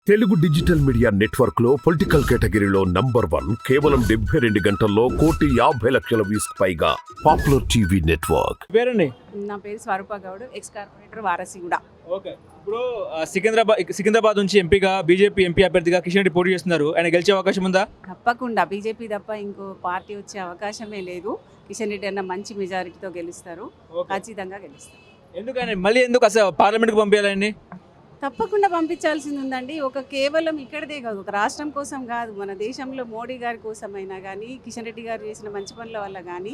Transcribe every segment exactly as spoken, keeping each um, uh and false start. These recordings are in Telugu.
తెలుగు డిజిటల్ మీడియా నెట్వర్క్ లో పొలిటికల్ కేటగిరీలో నంబర్ వన్ కేవలం డెబ్బై రెండు గంటల్లో కోటి యాభై లక్షల వ్యూస్ పైగా పాపులర్ టీవీ నెట్వర్క్. పేరండి? నా పేరు Swaroopa Goud, ex corporator Warasiguda. Okay, ఇప్పుడు సికింద్రాబాద్ సికింద్రాబాద్ నుంచి ఎంపీగా బీజేపీ ఎంపీ అభ్యర్థిగా కిషన్ రెడ్డి పోటీ చేస్తున్నారు. ఆయన గెలిచే అవకాశం ఉందా? తప్పకుండా బీజేపీ తప్ప ఇంకో పార్టీ వచ్చే అవకాశమే లేదు. కిషన్ రెడ్డి అన్న మంచి మెజారిటీతో గెలుస్తారు, ఖచ్చితంగా గెలుస్తారు. ఎందుకని మళ్ళీ ఎందుకు అసలు పార్లమెంట్కి పంపించాలండి? తప్పకుండా పంపించాల్సింది ఉందండి. ఒక కేవలం ఇక్కడదే కాదు, ఒక రాష్ట్రం కోసం కాదు, మన దేశంలో మోడీ గారి కోసమైనా కానీ, కిషన్ రెడ్డి గారు చేసిన మంచి పనుల వల్ల కానీ,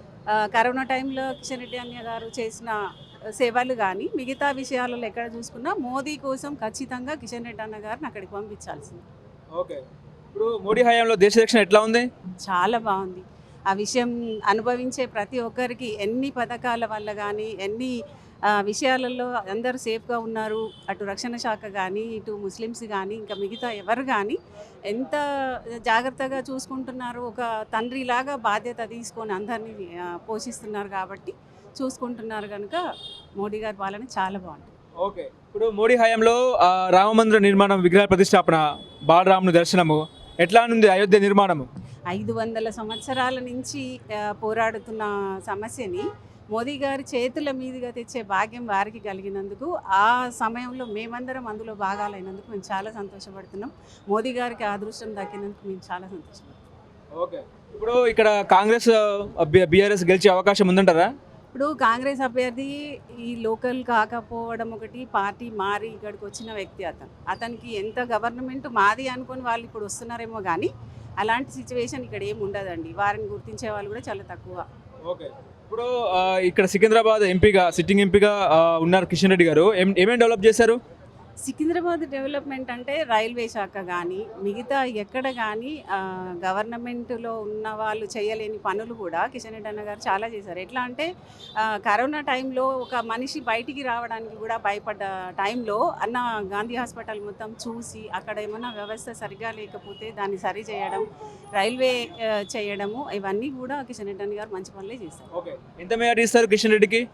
కరోనా టైంలో కిషన్ రెడ్డి అన్న గారు చేసిన సేవలు కానీ, మిగతా విషయాలలో ఎక్కడ చూసుకున్నా మోదీ కోసం ఖచ్చితంగా కిషన్ రెడ్డి అన్న గారిని అక్కడికి పంపించాల్సింది. ఓకే, ఇప్పుడు మోడీ హయాంలో దేశ రక్షణ ఎట్లా ఉంది? చాలా బాగుంది. ఆ విషయం అనుభవించే ప్రతి ఒక్కరికి ఎన్ని పథకాల వల్ల కానీ, ఎన్ని విషయాలలో అందరూ సేఫ్గా ఉన్నారు. అటు రక్షణ శాఖ కానీ, ఇటు ముస్లిమ్స్ కానీ, ఇంకా మిగతా ఎవరు కానీ ఎంత జాగ్రత్తగా చూసుకుంటున్నారు. ఒక తండ్రిలాగా బాధ్యత తీసుకొని అందరినీ పోషిస్తున్నారు కాబట్టి చూసుకుంటున్నారు కనుక మోడీ గారి పాలన చాలా బాగుంటుంది. ఓకే, ఇప్పుడు మోడీ హయాంలో రామ మందిర నిర్మాణం, విగ్రహ ప్రతిష్టాపన, బాలరాముని దర్శనము ఎట్లా ఉంది? అయోధ్య నిర్మాణము ఐదు వందల సంవత్సరాల నుంచి పోరాడుతున్న సమస్యని మోదీ గారి చేతుల మీదుగా తెచ్చే భాగ్యం వారికి కలిగినందుకు, ఆ సమయంలో మేమందరం అందులో భాగాలైనందుకు మేము చాలా సంతోషపడుతున్నాం. మోదీ గారికి అదృష్టం దక్కినందుకు మేము చాలా సంతోషపడుతున్నాం. ఓకే, ఇప్పుడు ఇక్కడ కాంగ్రెస్ బీఆర్ఎస్ గెలిచే అవకాశం ఉందంటారా? ఇప్పుడు కాంగ్రెస్ అభ్యర్థి ఈ లోకల్ కాకపోవడం ఒకటి, పార్టీ మారి ఇక్కడికి వచ్చిన వ్యక్తి అతను. అతనికి ఎంత గవర్నమెంట్ మాది అనుకొని వాళ్ళు ఇప్పుడు వస్తున్నారేమో కానీ అలాంటి సిచ్యువేషన్ ఇక్కడ ఏమి ఉండదండి. వారిని గుర్తించే వాళ్ళు కూడా చాలా తక్కువ. ఓకే, ఇప్పుడు ఇక్కడ సికింద్రాబాద్ ఎంపీగా సిట్టింగ్ ఎంపీగా ఉన్నారు కిషన్ రెడ్డి గారు. ఏం ఏమేమి డెవలప్ చేశారు? సికింద్రాబాద్ డెవలప్మెంట్ అంటే రైల్వే శాఖ కానీ, మిగతా ఎక్కడ కానీ గవర్నమెంట్లో ఉన్న వాళ్ళు చేయలేని పనులు కూడా కిషన్ రెడ్డి అన్న గారు చాలా చేశారు. ఎట్లా అంటే కరోనా టైంలో ఒక మనిషి బయటికి రావడానికి కూడా భయపడ్డ టైంలో అన్న గాంధీ హాస్పిటల్ మొత్తం చూసి అక్కడ ఏమైనా వ్యవస్థ సరిగా లేకపోతే దాన్ని సరి చేయడం, రైల్వే చేయడము, ఇవన్నీ కూడా కిషన్ రెడ్డి అన్న గారు మంచి పనులే చేశారు. ఓకే, ఎంత మెజారిటీ ఇస్తారు కిషన్ రెడ్డికి?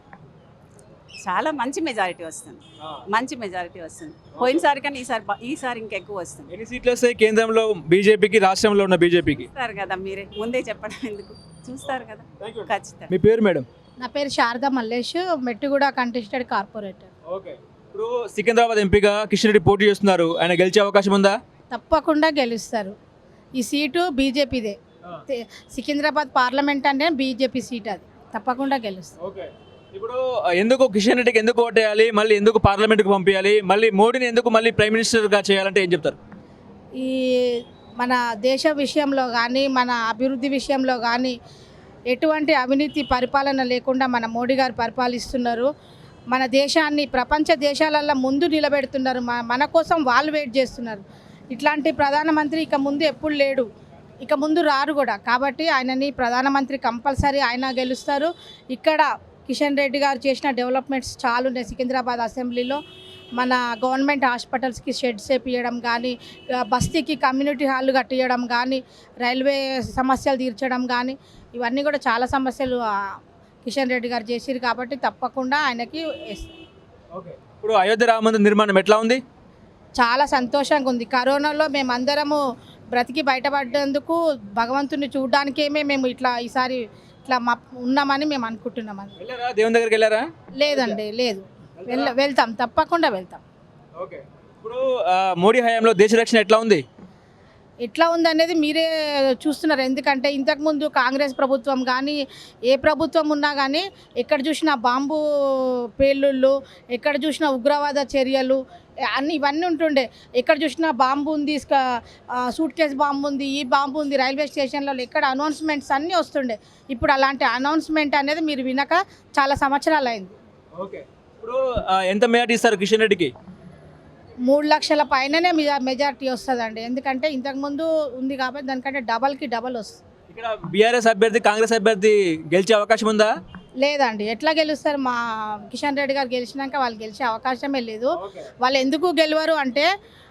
చాలా మంచి మెజారిటీ వస్తుంది, మంచి మెజారిటీ వస్తుంది. పోయినసారి కానీ ఈసారి ఈసారి ఇంకెక్కువ వస్తుంది. ఎన్ని సీట్లు వస్తాయి కేంద్రంలో బీజేపీకి, రాష్ట్రంలో ఉన్న బీజేపీకి? చూస్తారు కదా మీరే, ముందే చెప్పడం ఎందుకు, చూస్తారు కదా ఖచ్చితంగా. మీ పేరు మేడం? నా పేరు Sharada Mallesh, Mettuguda contested corporator. Okay, ఇప్పుడు సికింద్రాబాద్ ఎంపీగా కిషన్ రెడ్డి పోటీ చేస్తున్నారు. ఆయన గెలిచే అవకాశం ఉందా? తప్పకుండా గెలుస్తారు. ఈ సీటు బీజేపీదే. సికింద్రాబాద్ పార్లమెంట్ అంటే బీజేపీ సీట్, అది తప్పకుండా గెలుస్తారు. ఓకే, ఇప్పుడు ఎందుకు కిషన్ రెడ్డికి ఎందుకు ఓటేయాలి, మళ్ళీ ఎందుకు పార్లమెంట్కి పంపించాలి, మళ్ళీ మోడీని ఎందుకు మళ్ళీ ప్రైమ్ మినిస్టర్గా చేయాలంటే ఏం చెప్తారు? ఈ మన దేశ విషయంలో కానీ, మన అభివృద్ధి విషయంలో కానీ ఎటువంటి అవినీతి పరిపాలన లేకుండా మన మోడీ గారు పరిపాలిస్తున్నారు. మన దేశాన్ని ప్రపంచ దేశాలల్లో ముందు నిలబెడుతున్నారు. మన కోసం వాళ్ళు వెయిట్ చేస్తున్నారు. ఇట్లాంటి ప్రధానమంత్రి ఇక ముందు ఎప్పుడు లేడు, ఇక ముందు రారు కూడా. కాబట్టి ఆయనని ప్రధానమంత్రి కంపల్సరీ ఆయన గెలుస్తారు. ఇక్కడ కిషన్ రెడ్డి గారు చేసిన డెవలప్మెంట్స్ చాలా ఉన్నాయి. సికింద్రాబాద్ అసెంబ్లీలో మన గవర్నమెంట్ హాస్పిటల్స్కి షెడ్స్ వేపించడం కానీ, బస్తీకి కమ్యూనిటీ హాల్ కట్టించడం కానీ, రైల్వే సమస్యలు తీర్చడం కానీ, ఇవన్నీ కూడా చాలా సమస్యలు కిషన్ రెడ్డి గారు చేసిరు. కాబట్టి తప్పకుండా ఆయనకి. ఓకే, ఇప్పుడు అయోధ్య రామ మందిర నిర్మాణం ఎట్లా ఉంది? చాలా సంతోషంగా ఉంది. కరోనాలో మేమందరము బ్రతికి బయటపడ్డందుకు భగవంతుని చూడడానికేమే మేము ఇట్లా ఈసారి ఇట్లా మా ఉన్నామని మేము అనుకుంటున్నామని. దేవుని దగ్గరికి వెళ్ళారా? లేదండి, లేదు. వెళ్ళ వెళ్తాం తప్పకుండా వెళ్తాం. ఓకే, ఇప్పుడు మోడీ హయాంలో దేశ రక్షణ ఎట్లా ఉంది? ఎట్లా ఉందనేది మీరే చూస్తున్నారు. ఎందుకంటే ఇంతకుముందు కాంగ్రెస్ ప్రభుత్వం కానీ, ఏ ప్రభుత్వం ఉన్నా కానీ ఎక్కడ చూసినా బాంబు పేలుళ్ళు, ఎక్కడ చూసినా ఉగ్రవాద చర్యలు అన్ని ఇవన్నీ ఉంటుండే. ఎక్కడ చూసినా బాంబు ఉంది, సూట్ కేస్ బాంబు ఉంది, ఈ బాంబు ఉంది, రైల్వే స్టేషన్లలో ఎక్కడ అనౌన్స్మెంట్స్ అన్నీ వస్తుండే. ఇప్పుడు అలాంటి అనౌన్స్మెంట్ అనేది మీరు వినక చాలా సంవత్సరాలు అయింది. ఓకే, ఇప్పుడు ఎంత మెజారిటీ ఇస్తారు కిషన్ రెడ్డికి? మూడు లక్షల పైననే మెజారిటీ వస్తుందండి. ఎందుకంటే ఇంతకుముందు ఉంది కాబట్టి దానికంటే డబల్కి డబల్ వస్తుంది. ఇక్కడ బీఆర్ఎస్ అభ్యర్థి, కాంగ్రెస్ అభ్యర్థి గెలిచే అవకాశం ఉందా? లేదండి. ఎట్లా గెలుస్తారు? మా కిషన్ రెడ్డి గారు గెలిచినాక వాళ్ళు గెలిచే అవకాశమే లేదు. వాళ్ళు ఎందుకు గెలవరు అంటే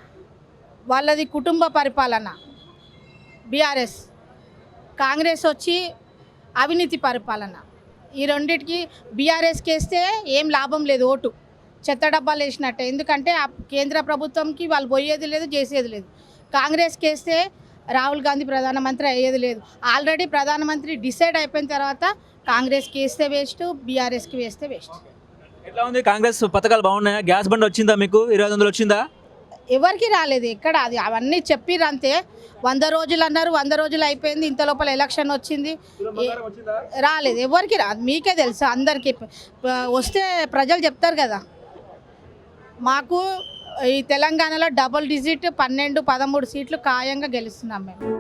వాళ్ళది కుటుంబ పరిపాలన. బీఆర్ఎస్, కాంగ్రెస్ వచ్చి అవినీతి పరిపాలన. ఈ రెండింటికి బీఆర్ఎస్కి వేస్తే ఏం లాభం లేదు ఓటు. చెత్త డబ్బాలు వేసినట్టే. ఎందుకంటే ఆ కేంద్ర ప్రభుత్వంకి వాళ్ళు పోయేది లేదు, చేసేది లేదు. కాంగ్రెస్కి వేస్తే రాహుల్ గాంధీ ప్రధానమంత్రి అయ్యేది లేదు. ఆల్రెడీ ప్రధానమంత్రి డిసైడ్ అయిపోయిన తర్వాత కాంగ్రెస్కి వేస్తే వేస్ట్, బీఆర్ఎస్కి వేస్తే వేస్ట్. ఎట్లా ఉంది కాంగ్రెస్ పథకాలు బాగున్నాయా? గ్యాస్ బండ్ వచ్చిందా మీకు? ఇరవై ఐదు వందలు వచ్చిందా? ఎవరికి రాలేదు, ఎక్కడ అది అవన్నీ చెప్పిర్రు అంతే. వంద రోజులు అన్నారు, వంద రోజులు అయిపోయింది, ఇంత లోపల ఎలక్షన్ వచ్చింది, రాలేదు. ఎవరికి రాదు, మీకే తెలుసు అందరికీ. ప- వస్తే ప్రజలు చెప్తారు కదా. మాకు ఈ తెలంగాణలో డబుల్ డిజిట్ పన్నెండు పదమూడు సీట్లు ఖాయంగా గెలుస్తున్నాం మేము.